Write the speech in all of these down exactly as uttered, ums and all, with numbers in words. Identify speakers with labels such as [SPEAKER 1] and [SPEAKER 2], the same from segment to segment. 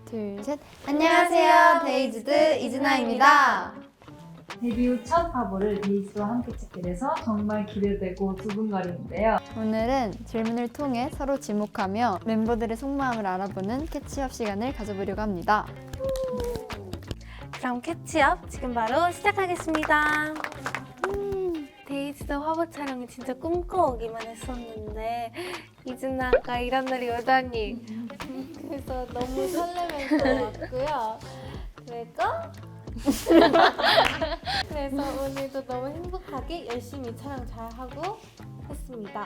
[SPEAKER 1] 둘, 셋. 안녕하세요. 데이즈드 이즈나입니다.
[SPEAKER 2] 데뷔 후 첫 화보를 데이즈와 함께 찍게 돼서 정말 기대되고 두근거리는데요.
[SPEAKER 1] 오늘은 질문을 통해 서로 지목하며 멤버들의 속마음을 알아보는 캐치업 시간을 가져보려고 합니다.
[SPEAKER 3] 그럼 캐치업 지금 바로 시작하겠습니다. 음, 데이즈드 화보 촬영이 진짜 꿈꿔오기만 했었는데 이즈나가 이런 날이 오다니 그래서 너무 설레면서 왔고요. 그리고 그래서 오늘도 너무 행복하게 열심히 촬영 잘하고 했습니다.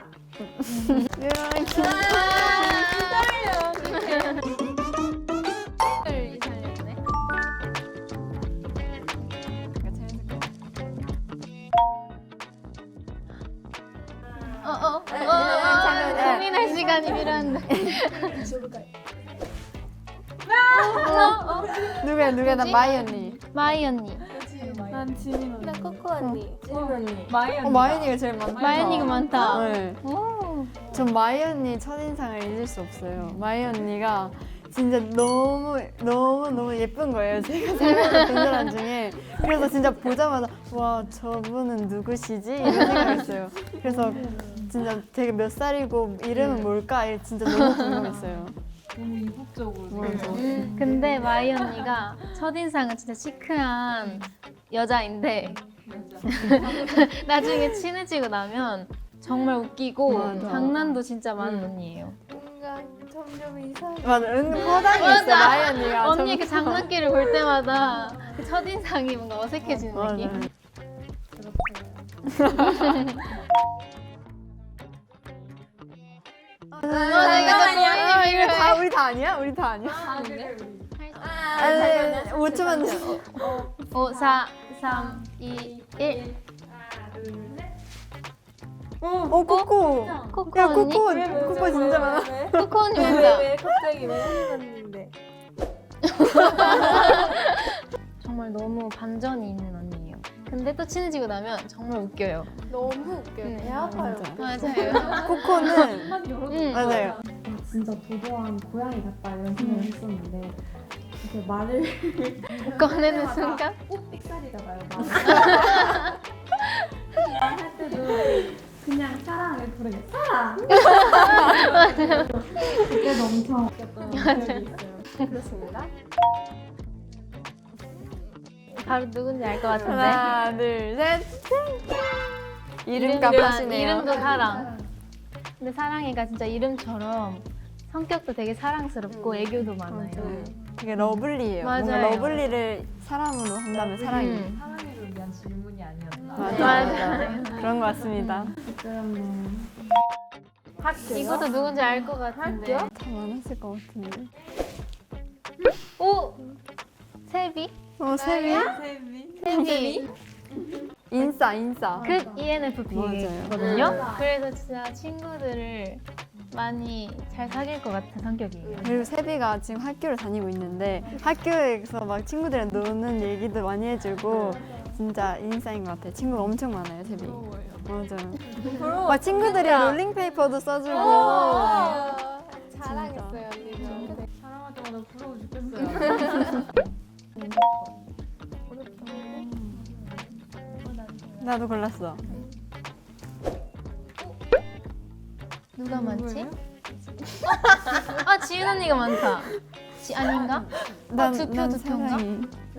[SPEAKER 4] 어어 어, 고민할 시간이 필요한데.
[SPEAKER 1] 누구야 누구야 나 마이 언니.
[SPEAKER 4] 마이 언니.
[SPEAKER 3] 난 지민 언니. 나 코코 언니.
[SPEAKER 2] 지민 언니. 마이 언니.
[SPEAKER 1] 어, 마이 언니가 제일 많다.
[SPEAKER 4] 마이 언니가 많다.
[SPEAKER 1] 네.
[SPEAKER 4] 오.
[SPEAKER 1] 전 마이 언니 첫인상을 잊을 수 없어요. 마이 언니가 진짜 너무 너무 너무 예쁜 거예요. 제가 살면서 본 사람 중에. 그래서 진짜 보자마자 와 저분은 누구시지? 이런 생각했어요. 그래서 진짜 되게 몇 살이고 이름은 뭘까? 이게 진짜 너무 궁금했어요.
[SPEAKER 2] 너무 이국적으로.
[SPEAKER 1] 맞아.
[SPEAKER 4] 근데 마이 언니가 첫인상은 진짜 시크한 여자인데 나중에 친해지고 나면 정말 웃기고
[SPEAKER 1] 맞아.
[SPEAKER 4] 장난도 진짜 많은 언니예요.
[SPEAKER 3] 뭔가 점점 이상해.
[SPEAKER 1] 맞아, 은근 허당이 있어 마이 언니가.
[SPEAKER 4] 언니의 그
[SPEAKER 1] 점점.
[SPEAKER 4] 장난기를 볼 때마다 그 첫인상이 뭔가 어색해지는
[SPEAKER 1] 맞아.
[SPEAKER 4] 느낌?
[SPEAKER 1] 잠깐만요. 아, 이거 다 우리 다 아니야? 우리 다 아니야? 아니, 오 초만 더.
[SPEAKER 4] 오, 사, 삼, 이, 일.
[SPEAKER 1] 어, 코코.
[SPEAKER 4] 코코
[SPEAKER 1] 야,
[SPEAKER 4] 언니?
[SPEAKER 1] 코코. 코코 진짜 많아.
[SPEAKER 4] 코코 언니
[SPEAKER 3] 왜,
[SPEAKER 4] 맞다.
[SPEAKER 3] 왜 갑자기 왜 생각났는데?
[SPEAKER 4] 정말 너무 반전이 있는 언니예요. 근데 또 친해지고 나면 정말 웃겨요.
[SPEAKER 3] 너무 웃겨요.
[SPEAKER 4] 음,
[SPEAKER 3] 배 아파요.
[SPEAKER 4] 맞아요.
[SPEAKER 1] 코코는
[SPEAKER 4] 응.
[SPEAKER 1] 맞아요.
[SPEAKER 2] 진짜 도도한 고양이 같다 이런 생각을 했었는데 이렇게 말을
[SPEAKER 4] 꺼내는 순간
[SPEAKER 2] 꼭 삑사리가 나요. 말할 때도 그냥 사랑을 부르게 사랑. 그때도 엄청 웃겼던 기억이 있어요.
[SPEAKER 1] 그렇습니다.
[SPEAKER 4] 바로 누군지 알 것 같은데.
[SPEAKER 1] 하나, 둘, 셋. 이름
[SPEAKER 4] 이름도-
[SPEAKER 1] 값하시네요.
[SPEAKER 4] 이름도 사랑. 근데 사랑이가 진짜 이름처럼 성격도 되게 사랑스럽고 애교도 많아요.
[SPEAKER 1] 되게 러블리해요. 뭔가
[SPEAKER 4] 맞아요.
[SPEAKER 1] 러블리를 사람으로 한다면 사랑이.
[SPEAKER 4] 음.
[SPEAKER 2] 사랑을 위한 질문이 아니었나.
[SPEAKER 1] 맞아,
[SPEAKER 4] 맞아요.
[SPEAKER 1] 맞아. 그런 것 같습니다.
[SPEAKER 2] 부끄럽네.
[SPEAKER 4] 이것도 누군지 알 것 같은데.
[SPEAKER 1] 다 많았을 것 같은데.
[SPEAKER 4] 오! 세비?
[SPEAKER 1] 어, 세미?
[SPEAKER 4] 세비.
[SPEAKER 1] 인싸, 인싸.
[SPEAKER 4] 그 이엔에프피거든요.
[SPEAKER 1] 맞아요.
[SPEAKER 4] 그래서 진짜 친구들을 많이 잘 사귈 것 같은 성격이에요.
[SPEAKER 1] 그리고 세비가 지금 학교를 다니고 있는데 학교에서 막 친구들이랑 노는 얘기도 많이 해주고 진짜 인싸인 것 같아요. 친구가 엄청 많아요, 세비. 맞아요. 막 친구들이 롤링페이퍼도 써주고.
[SPEAKER 3] 자랑했어요 언니가.
[SPEAKER 2] 사랑할 때마다 부러워 죽겠어요.
[SPEAKER 1] 나도 골랐어.
[SPEAKER 4] 누가 많지? 아 지윤 언니가 많다. 지 아닌가?
[SPEAKER 1] 난,
[SPEAKER 4] 두 표,
[SPEAKER 1] 난
[SPEAKER 4] 두 표인가?
[SPEAKER 1] 사랑이.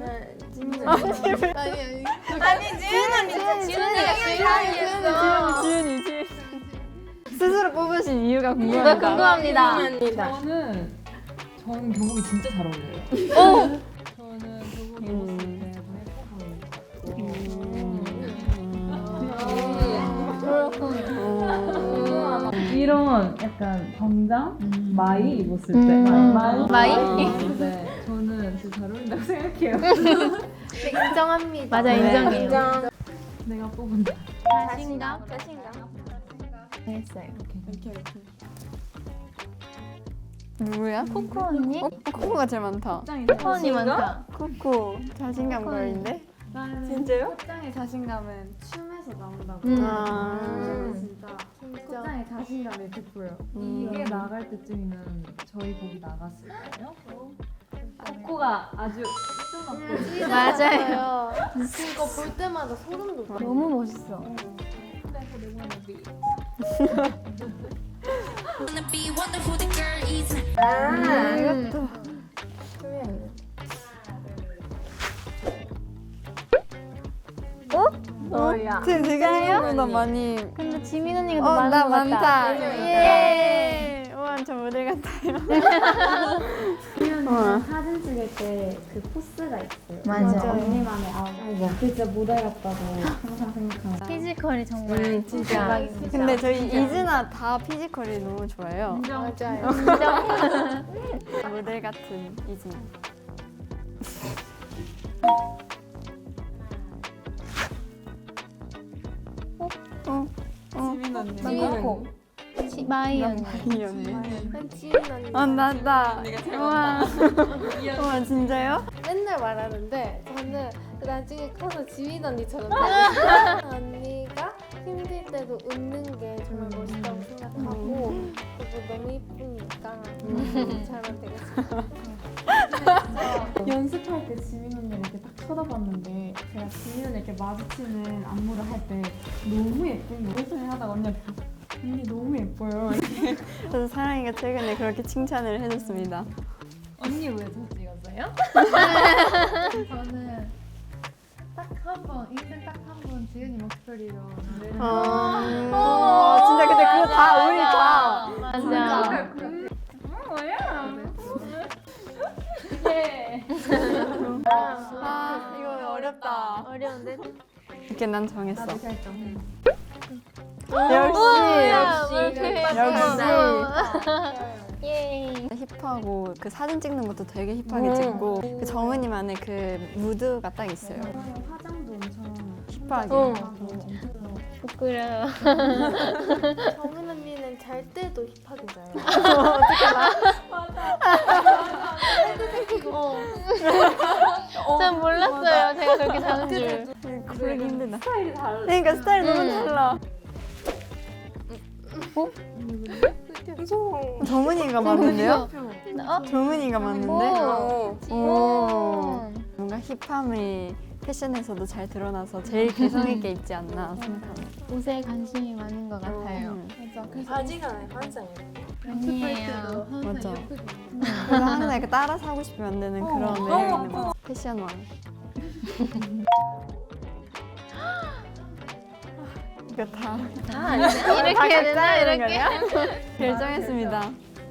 [SPEAKER 3] 아니 지은 언니.
[SPEAKER 4] 지윤 언니가 지윤이었어.
[SPEAKER 1] 지윤이, 지윤이. 스스로 뽑으신 이유가
[SPEAKER 4] 이거
[SPEAKER 1] 궁금합니다.
[SPEAKER 4] 궁금합니다.
[SPEAKER 2] 저는 저는 교복이 진짜 잘 어울려요.
[SPEAKER 4] 오!
[SPEAKER 2] 저는 교복 입었을 때 더 예뻐 보이는 것 같고. 이런 약간 정장 마이 입었을 때
[SPEAKER 4] 음.
[SPEAKER 2] 마이
[SPEAKER 4] 마이?
[SPEAKER 2] 입었을 때 저는 진짜 잘 어울린다고 생각해요.
[SPEAKER 3] 인정합니다.
[SPEAKER 4] 맞아 인정해요.
[SPEAKER 3] 인정.
[SPEAKER 2] 내가 뽑은다.
[SPEAKER 4] 자신감?
[SPEAKER 3] 자신감.
[SPEAKER 4] 했어요.
[SPEAKER 1] 누구야?
[SPEAKER 4] 코코 언니?
[SPEAKER 1] 어, 코코가 제일 많다.
[SPEAKER 4] 코코 언니 많다.
[SPEAKER 1] 코코 자신감
[SPEAKER 4] 코코.
[SPEAKER 1] 걸인데?
[SPEAKER 2] 진짜요?
[SPEAKER 5] 꽃장의 자신감은 춤에서 나온다고.
[SPEAKER 4] 음.
[SPEAKER 1] 아.
[SPEAKER 5] 진짜 꽃장의 자신감이 돋보여.
[SPEAKER 1] 음.
[SPEAKER 2] 이게 나갈 때쯤이면 저희 곡이 나갔을 거예요? 코가 아주 찢어놨고
[SPEAKER 4] 맞아요.
[SPEAKER 3] 이거 볼 때마다 소름 돋아.
[SPEAKER 4] 너무 멋있어.
[SPEAKER 1] 아, 이것도.
[SPEAKER 3] 뭐야?
[SPEAKER 1] 지금 되게 생각보다 많이.
[SPEAKER 4] 근데 지민 언니가 더
[SPEAKER 1] 어,
[SPEAKER 4] 많은
[SPEAKER 1] 나
[SPEAKER 4] 것 같다.
[SPEAKER 1] 많다.
[SPEAKER 4] 예.
[SPEAKER 1] 우와, 저 모델 같아요.
[SPEAKER 5] 수연이가 사진 찍을 때 그 포스가 있어요.
[SPEAKER 4] 맞아요.
[SPEAKER 5] 언니만의 아우라. 그 진짜 모델 같다고 항상 생각하고.
[SPEAKER 4] 피지컬이 정말
[SPEAKER 1] 음, 진짜.
[SPEAKER 4] 대박입니다.
[SPEAKER 1] 근데 저희 이즈나 다 피지컬이 너무 좋아요.
[SPEAKER 3] 맞아요.
[SPEAKER 1] 모델 같은 이즈나. 어? 어?
[SPEAKER 3] 지민 언니.
[SPEAKER 4] 지- 마이 언니.
[SPEAKER 1] 이 언니.
[SPEAKER 3] 난 지민 언니.
[SPEAKER 1] 아, 나다. 우와. 우와, 진짜요?
[SPEAKER 3] 맨날 말하는데 저는 나중에 커서 지민 언니처럼 되고 언니가 힘들 때도 웃는 게 정말 멋있다고 생각하고 그리고 너무 이쁘니까 저처럼 되겠습니다.
[SPEAKER 5] 연습할 때 지민 언니를 이렇게 딱 쳐다봤는데 제가 지민 언니 이렇게 마주치는 안무를 할 때 너무 예쁜 거 예술을 하다가 언니한테 언니 너무 예뻐요.
[SPEAKER 1] 저도 사랑이가 최근에 그렇게 칭찬을 해줬습니다.
[SPEAKER 2] 언니 왜 저 찍었어요?
[SPEAKER 5] 저는 딱 한 번 인생 딱 한 번 지은이 목소리로 노래를
[SPEAKER 1] 어, 진짜 근데 그거 다 우리 다.
[SPEAKER 4] 맞아.
[SPEAKER 1] 아, 이거 어렵다.
[SPEAKER 4] 어려운데?
[SPEAKER 1] 이렇게 난 정했어.
[SPEAKER 5] 결정.
[SPEAKER 1] 역시. 역시.
[SPEAKER 4] 예.
[SPEAKER 1] 힙하고 그 사진 찍는 것도 되게 힙하게 찍고 그 정은이만의 그 무드가 딱 있어요.
[SPEAKER 5] 화장도 엄청
[SPEAKER 1] 힙하게.
[SPEAKER 4] 어. 부끄러워.
[SPEAKER 3] 정은 언니는 잘 때도 힙하게 자요.
[SPEAKER 4] 전 몰랐어요. 제가 그렇게 자는 줄.
[SPEAKER 1] 고르기 힘들다. 스타일이 달라. 그러니까 스타일이 너무 달라. 정은이가 맞는데요?
[SPEAKER 4] 어?
[SPEAKER 1] 정은이가 맞는데?
[SPEAKER 4] 오.
[SPEAKER 1] 오. 뭔가 힙함이 패션에서도 잘 드러나서 제일 개성 있게 입지 않나 생각합니다.
[SPEAKER 4] 옷에 관심이 많은 것 같아요.
[SPEAKER 1] 음,
[SPEAKER 5] 맞아. 그래서
[SPEAKER 3] 바지가 항상
[SPEAKER 4] 아니에요.
[SPEAKER 1] 맞아. 그래서 항상 이렇게 따라 사고 싶으면 안 되는 그런 매력 있는 거. 패션왕. 이거 다
[SPEAKER 4] 아, 이렇게 해야 되나? 이렇게?
[SPEAKER 1] 결정했습니다.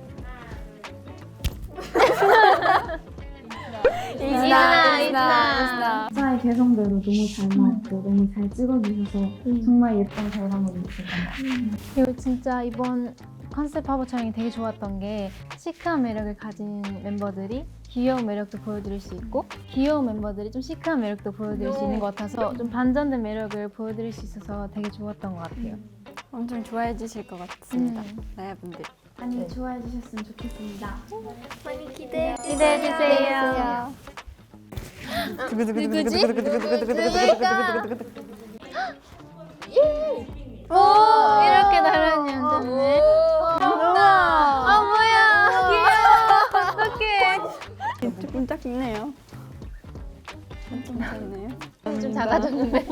[SPEAKER 4] 이즈나,
[SPEAKER 1] 이즈나.
[SPEAKER 5] 각자의 개성대로 너무 잘 나왔고 너무 잘 찍어주셔서 정말 예쁜 결과물이 있을 것 같아요.
[SPEAKER 4] 그리고 진짜 이번 컨셉 화보 촬영이 되게 좋았던 게 시크한 매력을 가진 멤버들이 귀여운 매력도 보여드릴 수 있고 귀여운 멤버들이 좀 시크한 매력도 보여드릴 수 있는 것 같아서 좀 반전된 매력을 보여드릴 수 있어서 되게 좋았던 것 같아요.
[SPEAKER 1] 엄청 좋아해 주실 것 같습니다.
[SPEAKER 4] 음.
[SPEAKER 1] 나야분들.
[SPEAKER 5] 많이 좋아해 주셨으면 좋겠습니다.
[SPEAKER 3] 많이 기대해
[SPEAKER 4] 기대해주세요.
[SPEAKER 1] 누구지?
[SPEAKER 4] 오! 이렇게 다른 연주네. 아, 뭐야! 귀여워! 어떡해!
[SPEAKER 1] 조금 작네요. 엄청 작네요.
[SPEAKER 4] 좀 작아졌는데.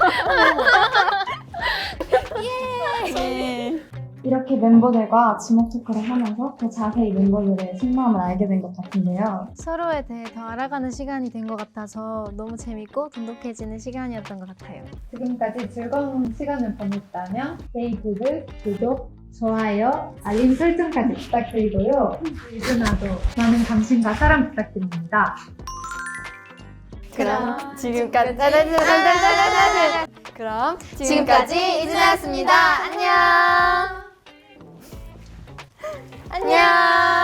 [SPEAKER 1] 예.
[SPEAKER 5] 이렇게 멤버들과 지목 토크를 하면서 더 자세히 멤버들의 속마음을 알게 된 것 같은데요.
[SPEAKER 4] 서로에 대해 더 알아가는 시간이 된 것 같아서 너무 재밌고 돈독해지는 시간이었던 것 같아요.
[SPEAKER 5] 지금까지 즐거운 시간을 보냈다면 페이스북 구독, 좋아요, 알림 설정까지 부탁드리고요. 이즈나도 많은 관심과 사랑 부탁드립니다.
[SPEAKER 1] 그럼 지금까지 그럼
[SPEAKER 3] 지금까지 이즈나였습니다. 안녕. 안녕.